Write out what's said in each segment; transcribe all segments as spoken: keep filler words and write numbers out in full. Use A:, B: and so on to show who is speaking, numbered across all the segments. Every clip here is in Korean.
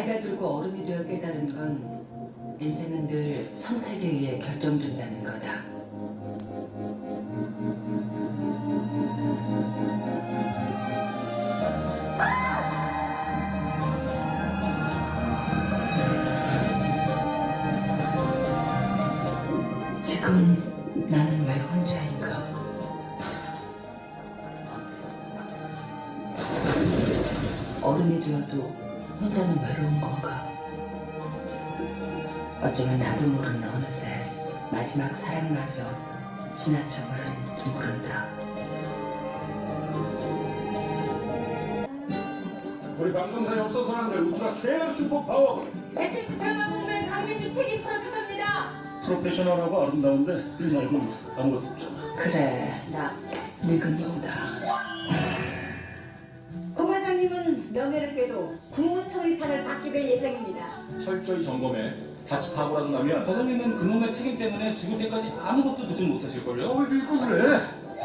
A: 나이가 들고 어른이 되어 깨달은 건 인생은 늘 선택에 의해 결정된다는 거다. 지금 나는 왜 혼자인가? 어른이 되어도 혼자는 외로운 건가? 어쩌면 나도 모르는 어느새 마지막 사랑마저 지나쳐버렸는지도 모른다.
B: 우리 방송사에 없어서는 안 될 울트라 최애 슈퍼파워
C: 에스비씨 드라마 보면 강민주 책임 프로듀서입니다.
B: 프로페셔널하고 아름다운데 이 말고는 아무것도 없잖아.
A: 그래, 나 늙은 여우다.
D: 고 과장님은 명예를 빼도 국무처리상을 받게 될 예정입니다.
B: 철저히 점검해. 자칫 사고라도 나면
E: 과장님은 그놈의 책임 때문에 죽을 때까지 아무것도 듣지 못하실걸요?
B: 왜 밀고 그래?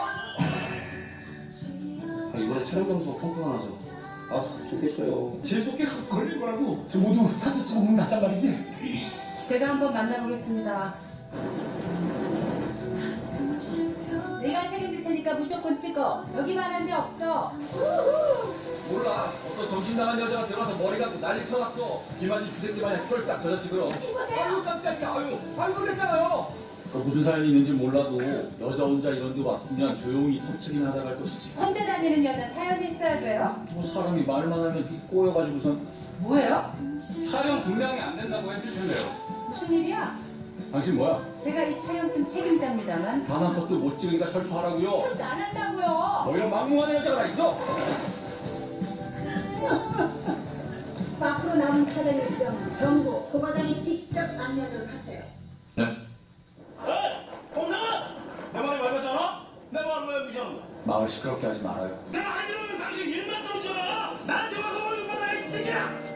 E: 아, 이번에 촬영 장소가 펑크가 나서 아 좋겠어요.
B: 제 속에 걸릴 거라고 저 모두 사표 쓰고 혼났단 말이지.
A: 제가 한번 만나보겠습니다.
C: 내가 책임질 테니까 무조건 찍어. 여기만 한 데 없어.
F: 몰라. 어떤 정신 나간 여자가 들어와서 머리 감고 난리 쳐놨어. 김한지 주새끼 마냥 쫄딱 젖어지고요.
C: 이보세요.
F: 아유 깜짝이야. 아유 아유 놀랬잖아요. 그 무슨 사연이 있는지 몰라도 여자 혼자 이런 데 왔으면 조용히 산책이나 하다 갈 것이지.
C: 혼자 다니는 여자 사연이 있어야 돼요.
F: 뭐 사람이 말만 하면 이 꼬여가지고선
C: 뭐예요?
F: 촬영 분량이 안 된다고 했을 텐데요.
C: 무슨 일이야?
F: 당신 뭐야?
C: 제가 이 촬영팀 책임자입니다만
F: 단 한 컷도 못 찍으니까 철수하라고요.
C: 철수 안 한다고요.
F: 뭐 이런 막무가내 여자가 다 있어?
D: 앞으로 남은 촬영 일정 전부 고 과장이 직접 안내하도록 하세요.
F: 네.
B: 봉상아! 내 말이 맑았잖아? 내 말을 왜 무시하는 거야?
F: 마을 시끄럽게 하지 말아요.
B: 내가 안 이러면 당신 일만 들어오잖아! 나한테 와서 얼른 받아 이 새끼야!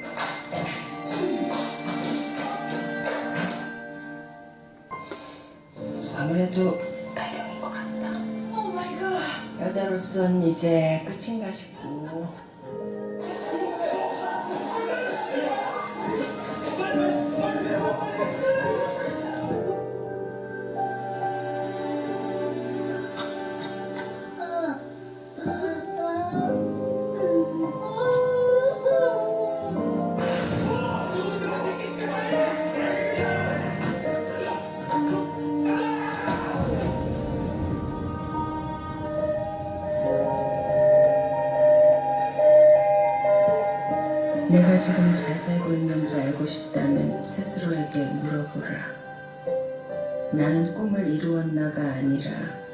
A: 아무래도 가령인 것 같다. 오 마이 갓. 여자로선 이제 끝인가 싶고. 내가 지금 잘 살고 있는지 알고 싶다면 스스로에게 물어보라. 나는 꿈을 이루었나가 아니라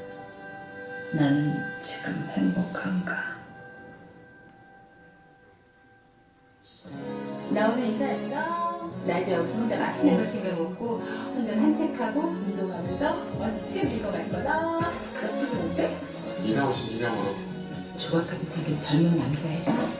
A: 나는 지금 행복한가?
C: 나 오늘 인사할까? 나 이제 여기서 혼자 맛있는 거 챙겨 먹고 혼자 산책하고 운동하면서 멋지게 늙어갈 거다. 옆집은 어때?
F: 이사 오신 기념으로
A: 조각같이 생긴 젊은 남자애다.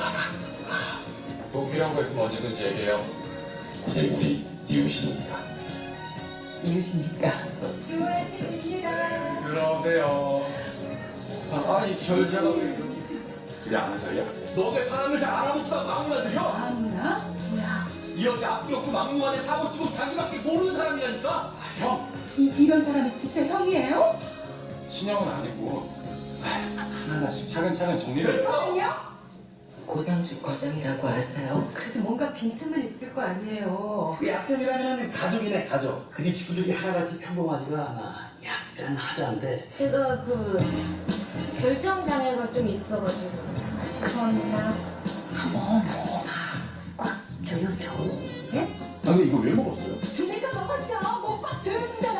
F: 또 필요한 거 있으면 언제든지 얘기해요. 이제 우리 이웃이니까.
A: 이웃이니까.
C: 좋은 아침입니다.
F: 들어오세요. 아, 아니 저 여자가 왜 이렇게 우리 아는 사이야? 너네 사람을 잘 알아보지도 막무가내들여?
A: 아무나? 뭐야?
F: 이 여자 앞뒤 없고 막무가내 사고 치고 자기밖에 모르는 사람이라니까?
B: 형!
A: 이, 이런 사람이 진짜 형이에요?
B: 신형은 아니고 하나하나씩 차근차근 정리를
C: 무슨요?
A: 고상식 과장이라고 아세요?
C: 그래도 뭔가 빈틈은 있을 거 아니에요.
G: 그 약점이라면 가족이네 가족. 그 집 식구들이 하나같이 평범하지가 않아. 약간 하자인데
H: 제가 그 결정장애가 좀 있어가지고 죄송합니다.
A: 한번 꽉 조여줘.
C: 예?
B: 아 근데 이거 왜 먹었어요?
C: 주니까 먹었죠. 뭐꽉 조여준다.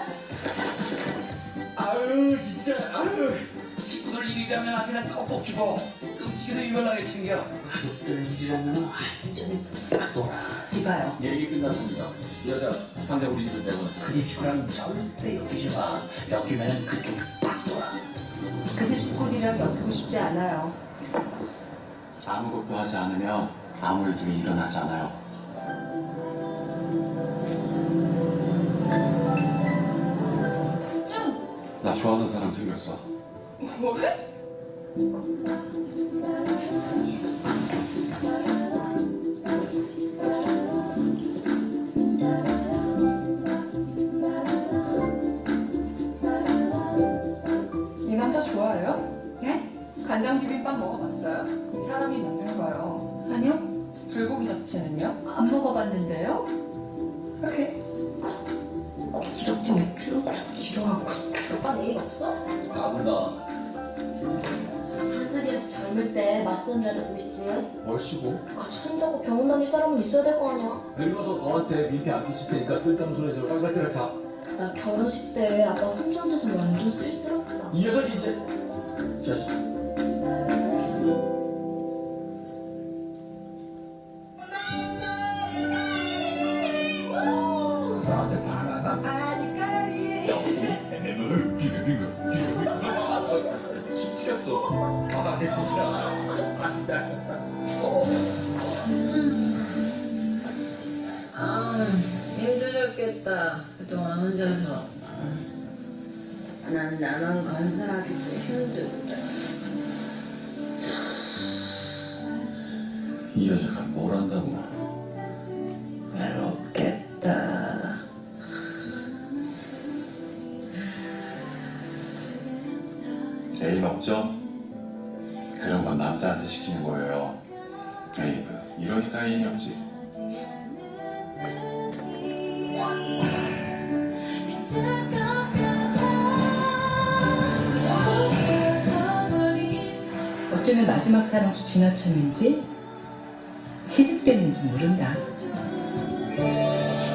B: 아유 진짜 아유
G: 식구들 일이라면 아주 그냥 꼭 주고 끔찍이도 유별나게 챙겨. 가족들 일이라면 완전히 딱 놀아.
A: 이봐요.
F: 얘기 끝났습니다. 이 여자 당장 우리 집에서 내보내.
G: 그 집 식구랑 절대 엮이지 마. 엮이면 그쪽이 딱 놀아.
C: 그 집 식구들이랑 엮이고 싶지 않아요.
F: 아무것도 하지 않으면 아무 일도 일어나지 않아요. 나 좋아하는 사람 생겼어.
C: 뭐래?
A: 불고기 잡채는요?
C: 안 먹어봤는데요?
A: 이렇게 기럭지 맥주? 기로하고
H: 오빠 내일 없어?
F: 나본다.
H: 한살이라도 젊을 때 맞선이라도 보시지.
F: 얼씨고
H: 같이 손잡고 병원 다닐 사람은 있어야 될 거 아니야.
F: 늙어서 너한테 민폐 안 끼칠 테니까 쓸데없는 소리 해서 빨리 때려 자.
H: 나 결혼식 때 아빠 혼자 앉아서 완전 쓸쓸했다.
F: 이 녀석이 진짜. 자식. 나한테 반하나?
C: 아니까리.
F: 엠엠을 비벼비벼 비벼비벼 시키렸어. 아, 내 뜻이야.
A: 아 힘들었겠다 그동안 혼자서. 난 나만 건사하기도 힘들다.
F: 이 여자가 뭘 한다고?
A: 외롭겠다.
I: 애인 없죠? 그런 건 남자한테 시키는 거예요. 에이그, 이러니까 애인이 없지.
J: 어쩌면 마지막 사랑 수 지나쳤는지 시집뺐는지 모른다.